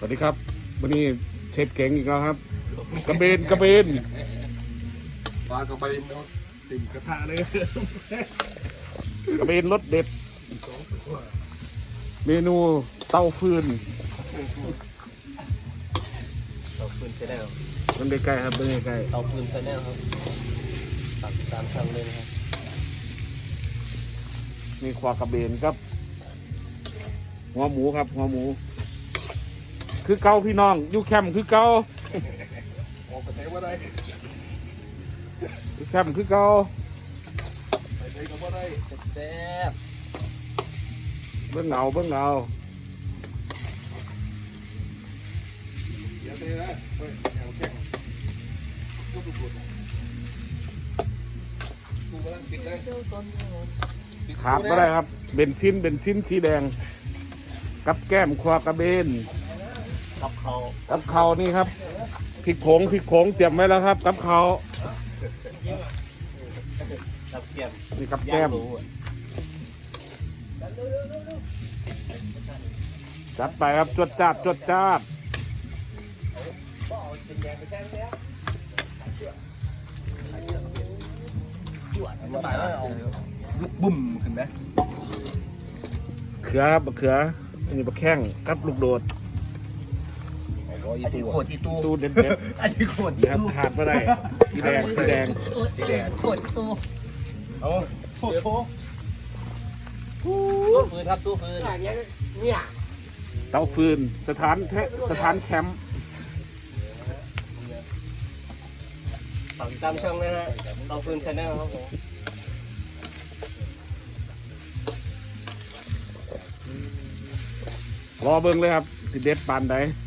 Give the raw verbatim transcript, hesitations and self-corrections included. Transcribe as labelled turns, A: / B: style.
A: วัสดีครับวันนี้เชฟเก่งอีกแล้วครับกระเบนกระเบน
B: ปลากระเบนติ่มกระทะเลย
A: กระเบนรสเด็ดเมนูเต้าฟืน
C: เตาฟืนชาแนล
A: มันใกล้ๆครับมันใกล้
C: เตาฟืนชาแนลครับตัดตามช่างเลยนะครับ
A: มีควากระเบนครับหัวหมูครับหัวหมูคือเกาพี่น้องอยู่แคมป์คือเกา
B: ออกไปไหนว่าได้
A: อยู่แคมป์คือเกา
B: ไปไหนก็ว่าได้
C: แซ่บ
A: เบื้องเงาเบื้องเงา
B: เดี๋ยวเดี๋ยวนะเฮ้ยแนวแข็งก็ดูดกูกำลังปิดเลย
A: ขาดไม่ได้ครับเบนซินเบนซินสีแดงกับแก้มควากระเบน
C: กับเขา
A: กับเขานี่ครับพริกผงพริกผงเตรียมไว้แล้วครับกับเขา
C: กับแก้ม
A: นี่กับแก้มจัดไปครับจวดจ้าดจวดจ้าด
B: ลุกบุ่มขึ้นไหม
A: เขือครับเขือนี่บะแข้งกับลูกโดด
C: อันนี้โคตรอีตู
A: ตู้เด็ดเด็ด
C: อันนี้โคตรอี
A: ตูขาดไม่ได้สีแดงสีแดง
C: สีแดงโคตรอีตู
B: เอาโถโถ
C: สู้ฟืนครับสู้ฟืนเนี่ย
A: เตาฟืนสถานสถานแคมป์
C: ตัดตามช่างเลยนะเตาฟืนชาแนลครับผม
A: รอเบิ้งเลยครับสิเด็ดปานใด